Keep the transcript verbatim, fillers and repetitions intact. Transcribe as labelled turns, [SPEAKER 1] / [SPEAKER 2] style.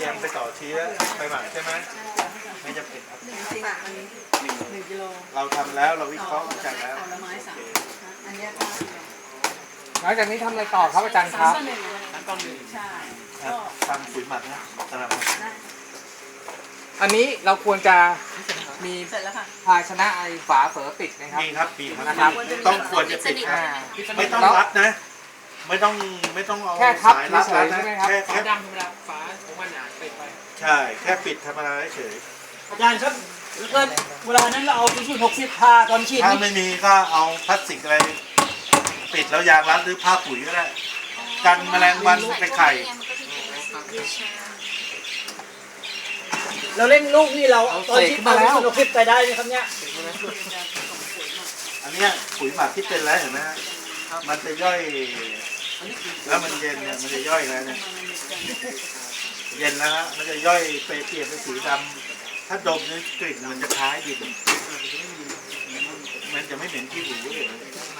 [SPEAKER 1] รียมไปต่อเชื้อไปหมักใช่ไหมไม่จำเป็นครับ
[SPEAKER 2] หนึ่งสิบอันนี้หนึ่งกิโล
[SPEAKER 1] เราทำแล้วเราวิเคราะห์วิจัยแล้ว
[SPEAKER 2] ผลไม้สามอันนี้ก็
[SPEAKER 3] หลังจากนี้ทำอะไรต่อครับอาจารย์ครับ
[SPEAKER 2] สามต่อหนึ่งสามต่อหนึ่งใช่ก็
[SPEAKER 1] ทำปุ๋ยหมักนะตลาด
[SPEAKER 2] ได้
[SPEAKER 3] อันนี้เราควรจะมี
[SPEAKER 2] เสร็จแล้วค่ะ
[SPEAKER 3] ภาชนะไอฝาเฝอปิดนะครับ
[SPEAKER 1] มีครับมีครับ
[SPEAKER 3] นะครับ
[SPEAKER 1] ต้องควรจะปิดนะ
[SPEAKER 3] อ่า
[SPEAKER 1] ไม่ต้องรัดนะ ไม่ต้องไม่ต้องเอา
[SPEAKER 3] แค่ทับ
[SPEAKER 1] สายรัด
[SPEAKER 3] เฉยๆ
[SPEAKER 1] นะ
[SPEAKER 3] ใช่ไหมครับ
[SPEAKER 1] แค่
[SPEAKER 4] ฝา
[SPEAKER 1] แค่
[SPEAKER 4] ดำธรรมดาฝาของมันอ่ะปิดไป
[SPEAKER 1] ใช่แค่ปิดธรรมดาเฉย
[SPEAKER 5] อาจารย์ครับแล้วก็เวลานั้นเราเอาที่หกสิบพาตอนฉีด
[SPEAKER 1] ถ้า
[SPEAKER 5] นี่
[SPEAKER 1] ไม่มีก็เอาพลาสติกอะไรปิดแล้วยางรัดหรือผ้าปุ๋ยก็ได้กันแมลงวันไปไข่
[SPEAKER 5] เราเล่นลูกนี่เราตอนฉีดเอาที่หกสิบไปได้ไหมครับเนี่ย
[SPEAKER 1] อันเนี้ยปุ๋ยหมักที่เป็นแล้วเห็นไหมฮะมันจะย่อยแล้วมันเย็นเนี่ยมันจะย่อยแล้วเนี่ยเย็นแล้วฮะมันจะย่อยไปเปลี่ยนเป็นสีดำถ้าดมเนี่ยกลิ่นมันจะคล้ายดินมันจะไม่เหม็นขี้หูเลย